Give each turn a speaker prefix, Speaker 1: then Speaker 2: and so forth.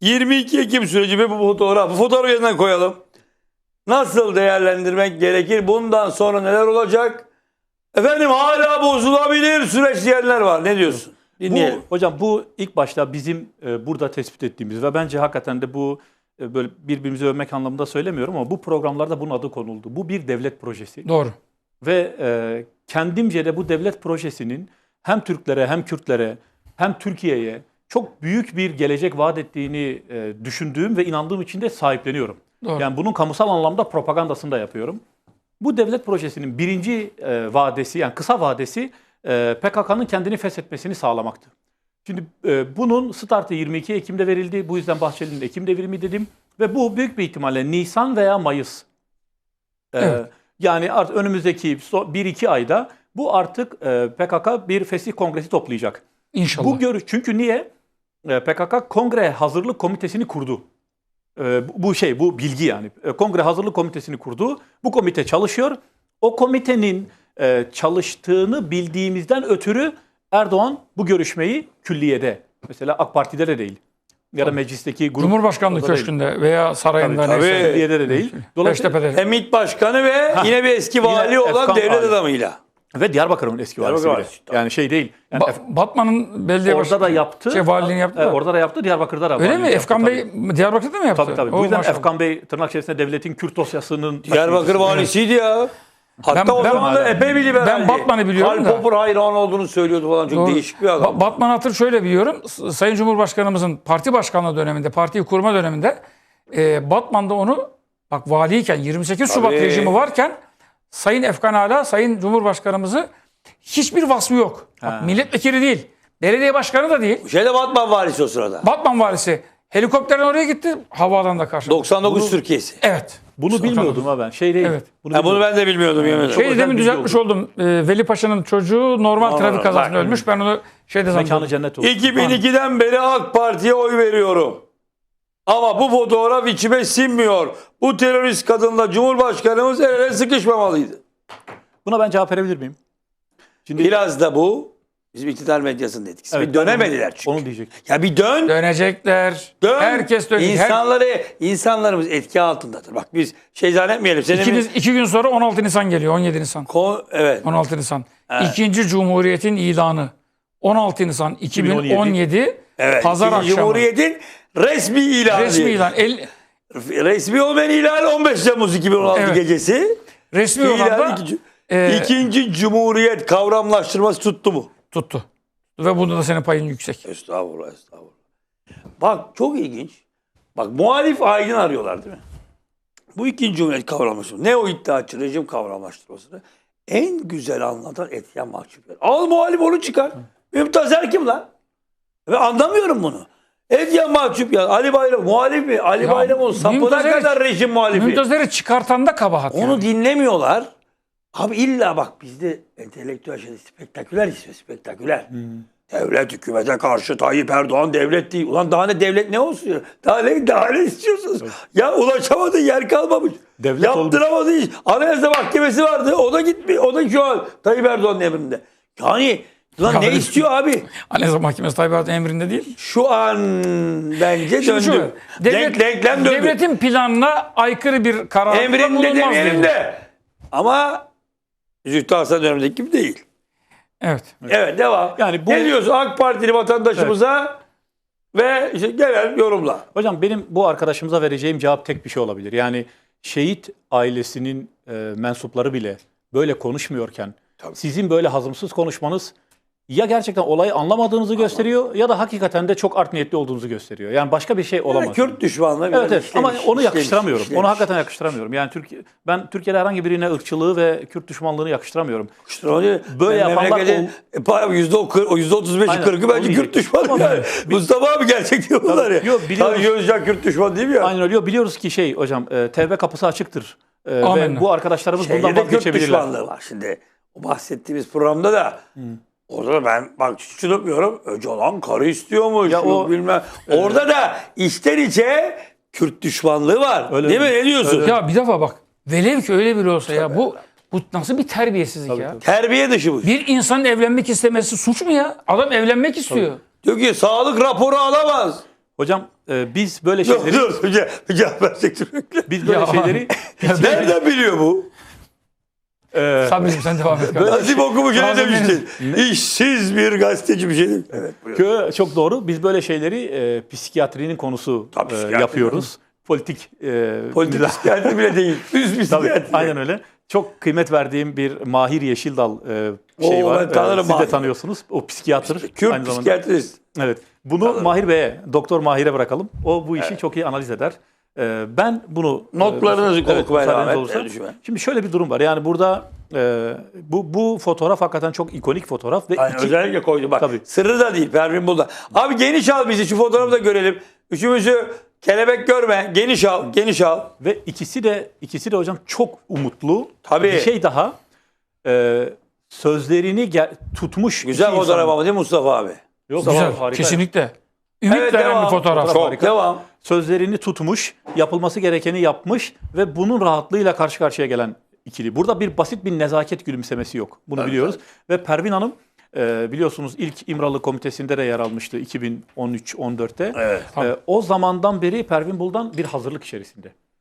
Speaker 1: 22 Ekim süreci ve bu fotoğraf. Bu fotoğrafı yeniden koyalım. Nasıl değerlendirmek gerekir? Bundan sonra neler olacak? Efendim hala bozulabilir süreç diyenler var. Ne diyorsun? Dinleyelim.
Speaker 2: Hocam bu ilk başta bizim burada tespit ettiğimiz ve bence hakikaten de bu böyle birbirimizi övmek anlamında söylemiyorum ama bu programlarda bunun adı konuldu. Bu bir devlet projesi.
Speaker 3: Doğru.
Speaker 2: Ve kendimce de bu devlet projesinin hem Türklere hem Kürtlere hem Türkiye'ye çok büyük bir gelecek vaat ettiğini düşündüğüm ve inandığım için de sahipleniyorum.
Speaker 3: Doğru.
Speaker 2: Yani bunun kamusal anlamda propagandasını da yapıyorum. Bu devlet projesinin birinci vadesi yani kısa vadesi PKK'nın kendini feshetmesini sağlamaktı. Şimdi bunun startı 22 Ekim'de verildi. Bu yüzden Bahçeli'nin Ekim devrimi dedim. Ve bu büyük bir ihtimalle Nisan veya Mayıs.
Speaker 3: Evet.
Speaker 2: Yani artık önümüzdeki 1-2 ayda bu artık PKK bir fesih kongresi toplayacak.
Speaker 3: İnşallah.
Speaker 2: Çünkü niye? PKK Kongre Hazırlık Komitesi'ni kurdu. Bu bilgi yani. Kongre Hazırlık Komitesi'ni kurdu. Bu komite çalışıyor. O komitenin çalıştığını bildiğimizden ötürü Erdoğan bu görüşmeyi külliyede, mesela AK Parti'de de değil ya da meclisteki grup
Speaker 3: Cumhurbaşkanlığı Köşkü'nde veya sarayında
Speaker 2: tabii,
Speaker 3: neyse.
Speaker 2: külliyede de değil. Dolayısıyla
Speaker 3: Beştepe'de.
Speaker 1: MİT Başkanı ve yine bir eski vali olan
Speaker 2: Efkan
Speaker 1: devlet
Speaker 2: vali.
Speaker 1: adamıyla.
Speaker 2: Ve Diyarbakır'ın eski valisi bile. Yani şey değil. Yani
Speaker 3: Batman'ın belediye
Speaker 2: orada da yaptı.
Speaker 3: Valiliğini yaptı da.
Speaker 2: Orada da yaptı, Diyarbakır'da da.
Speaker 3: Öyle mi? Efkan Bey Diyarbakır'da mı yaptı?
Speaker 2: Tabii. Bu yüzden Efkan Bey tırnak içerisinde devletin Kürt dosyasının...
Speaker 1: Diyarbakır valisiydi ya. Hatta o zaman da epey bir liberaldi.
Speaker 3: Ben Batman'ı biliyorum da.
Speaker 1: Karl Popper hayran olduğunu söylüyordu falan. Çok değişik bir adam.
Speaker 3: Batman Hatır şöyle biliyorum. Sayın Cumhurbaşkanımızın parti başkanlığı döneminde, partiyi kurma döneminde Batman'da onu bak valiyken 28 Şubat rejimi varken Sayın Efkan Ala, Sayın Cumhurbaşkanımızı hiçbir vasfı yok. Bak, milletvekili değil. Belediye başkanı da değil.
Speaker 1: Şeyde Batman valisi o sırada.
Speaker 3: Batman valisi. Helikopterden oraya gitti. Havadan da karşı.
Speaker 1: 99 Türkiye'si.
Speaker 3: Evet.
Speaker 2: Bunu bilmiyordum ha ben. Şey değil.
Speaker 3: Evet.
Speaker 1: Bunu ben de bilmiyordum. Yemin ederim.
Speaker 3: Şeyi demin düzeltmiş oldum. Veli Paşa'nın çocuğu normal trafik kazasında ölmüş. Ben onu şeyde
Speaker 2: Mekanı
Speaker 3: zannediyorum.
Speaker 2: cennet olsun.
Speaker 1: 2002'den beri AK Parti'ye oy veriyorum. Ama bu fotoğraf içime sinmiyor. Bu terörist kadınla Cumhurbaşkanımız el ele sıkışmamalıydı.
Speaker 2: Buna ben cevap verebilir miyim? Şimdi
Speaker 1: Biraz da bu bizim iktidar medyasının etkisi.
Speaker 2: Evet,
Speaker 1: bir dönemediler çünkü.
Speaker 2: onu diyecek.
Speaker 1: Ya bir dön.
Speaker 3: Dönecekler.
Speaker 1: Dön.
Speaker 3: Herkes dönecek.
Speaker 1: İnsanlarımız etki altındadır. Bak biz şey zannetmeyelim.
Speaker 3: İki gün sonra 16 Nisan geliyor. 17 Nisan.
Speaker 1: Evet.
Speaker 3: 16 Nisan.
Speaker 1: Evet.
Speaker 3: İkinci Cumhuriyet'in ilanı. 16 Nisan 2017
Speaker 1: Evet.
Speaker 3: Pazar
Speaker 1: İkinci
Speaker 3: akşamı.
Speaker 1: Cumhuriyet'in resmi ilanı.
Speaker 3: Resmi ilan.
Speaker 1: Resmi olmayan ilan 15 Temmuz 2016
Speaker 3: Evet.
Speaker 1: gecesi.
Speaker 3: Resmi olan da
Speaker 1: İkinci Cumhuriyet kavramlaştırması tuttu mu?
Speaker 3: tuttu. Ve bunda da senin payın yüksek.
Speaker 1: Estağfurullah. Bak çok ilginç. Bak muhalif aydın arıyorlar değil mi? Bu ikinci Cumhuriyet kavramlaştırması. Ne o iddiaçı rejim kavramlaştırmasını? En güzel anlatan Etyen Mahçupyan. Al muhalif onu çıkar. Mümtazer kim lan? Ve anlamıyorum bunu. Etyen Mahçupyan, Ali Bayram muhalif mi? Ali Bayram'ın sapına kadar rejim muhalifi.
Speaker 3: Mümtazer'i çıkartan da kabahat.
Speaker 1: Onu dinlemiyorlar. Abi illa bak bizde entelektüel şey spektaküler istiyor, spektaküler. Devlet hükümete karşı Tayyip Erdoğan devlet değil. Ulan daha ne devlet ne olsun? Daha ne istiyorsunuz? Evet. Ya ulaşamadı yer kalmamış.
Speaker 2: Devlet
Speaker 1: yaptıramadı iş. Anayasa Mahkemesi vardı. O da gitmiyor. O da şu an Tayyip Erdoğan'ın emrinde. Yani lan ne istiyor abi?
Speaker 3: Anayasa Mahkemesi Tayyip Erdoğan'ın emrinde değil.
Speaker 1: Şu an bence döndü. Denklem döndü.
Speaker 3: Devletin planına aykırı bir karar
Speaker 1: emrinde demeyelim de. Ama Zühtü Aslan dönemindeki gibi değil.
Speaker 3: Evet.
Speaker 1: Evet devam. Yani ne diyorsun AK Partili vatandaşımıza ve işte gelen yorumla.
Speaker 2: Hocam benim bu arkadaşımıza vereceğim cevap tek bir şey olabilir. Yani şehit ailesinin mensupları bile böyle konuşmuyorken sizin böyle hazımsız konuşmanız ya gerçekten olayı anlamadığınızı gösteriyor ya da hakikaten de çok art niyetli olduğunuzu gösteriyor. Yani başka bir şey olamaz.
Speaker 1: Kürt düşmanlığı
Speaker 2: evet, evet. Ama onu yakıştıramıyorum. Onu hakikaten yakıştıramıyorum. Yani ben Türkiye'de herhangi birine ırkçılığı ve Kürt düşmanlığını yakıştıramıyorum.
Speaker 1: Böyle yapanlar %35'i 40'ı bence Kürt düşmanı yani. Mustafa abi gerçek diyor bunlar ya. Yok biliyoruz. Özcan Kürt düşmanı değil mi ya?
Speaker 2: Aynen öyle. Biliyoruz ki hocam tevbe kapısı açıktır. Ve bu arkadaşlarımız bundan vazgeçebilirler.
Speaker 1: Kürt düşmanlığı var. Şimdi o bahsettiğimiz programda da orada da ben bak hiç unutmuyorum. Öcalan karı istiyormuş. Ya bilmem. Orada da içten içe Kürt düşmanlığı var. Öyle değil mi? Ne diyorsun?
Speaker 3: Öyle. Ya bir defa bak. Velev ki öyle biri olsa ya bu nasıl bir terbiyesizlik ya?
Speaker 1: Terbiye dışı bu.
Speaker 3: Bir insanın evlenmek istemesi suç mu ya? Adam evlenmek istiyor.
Speaker 1: Diyor ki sağlık raporu alamaz.
Speaker 2: Hocam biz böyle
Speaker 1: Dur
Speaker 2: şeyleri
Speaker 1: dur. Cevap versek sürekli.
Speaker 2: biz böyle
Speaker 3: Ya.
Speaker 2: şeyleri
Speaker 1: Nereden biliyor bu?
Speaker 3: Sabri'cim sen devam et.
Speaker 1: Nazif okumuş ne
Speaker 3: Nazım
Speaker 1: demiştin? İşsiz bir gazeteci bir şey demiş. Evet. buyur.
Speaker 2: Çok doğru. Biz böyle şeyleri psikiyatrinin konusu
Speaker 1: Tabii, psikiyatri
Speaker 2: yapıyoruz. Politik
Speaker 1: Politik
Speaker 2: mizah-
Speaker 1: psikiyatri bile değil. Üst
Speaker 2: Tabii,
Speaker 1: psikiyatri.
Speaker 2: aynen öyle. Çok kıymet verdiğim bir Mahir Yeşildal şey
Speaker 1: Oo,
Speaker 2: var.
Speaker 1: ben tanırım
Speaker 2: Siz de
Speaker 1: Mahir.
Speaker 2: tanıyorsunuz. O psikiyatr.
Speaker 1: Kürt
Speaker 2: aynı zamanda.
Speaker 1: psikiyatrist.
Speaker 2: Evet. Bunu Mahir Bey'e, Doktor Mahir'e bırakalım. O bu işi çok iyi analiz eder. Ben bunu
Speaker 1: Notlarınızı okumaya
Speaker 2: müsaadeniz
Speaker 1: devam et,
Speaker 2: olursa.
Speaker 1: lütfen.
Speaker 2: Şimdi şöyle bir durum var. Yani burada bu fotoğraf hakikaten çok ikonik fotoğraf ve
Speaker 1: Yani özellikle koydu bak.
Speaker 2: Tabii.
Speaker 1: Sırrı da değil. Pervin Buldan. Abi geniş al bizi. Şu fotoğrafı da görelim. Üçümüzü kelebek görme. Geniş al. Geniş al.
Speaker 2: ve ikisi de hocam çok umutlu.
Speaker 1: Tabii.
Speaker 2: Bir şey daha sözlerini tutmuş.
Speaker 1: Güzel
Speaker 2: iki
Speaker 1: fotoğraf
Speaker 2: insan.
Speaker 1: ama değil mi Mustafa abi?
Speaker 2: Yok,
Speaker 3: Güzel.
Speaker 2: harika.
Speaker 3: Kesinlikle. Ümit
Speaker 1: Evet,
Speaker 3: veren
Speaker 1: devam.
Speaker 3: bir fotoğraf.
Speaker 1: Çok
Speaker 2: harika.
Speaker 1: devam.
Speaker 2: Sözlerini tutmuş, yapılması gerekeni yapmış ve bunun rahatlığıyla karşı karşıya gelen ikili. Burada bir basit bir nezaket gülümsemesi yok. Bunu
Speaker 1: Evet,
Speaker 2: biliyoruz. Ve Pervin Hanım biliyorsunuz ilk İmralı Komitesi'nde de yer almıştı 2013-14'te.
Speaker 1: Evet.
Speaker 2: O zamandan beri Pervin Buldan bir hazırlık içerisinde.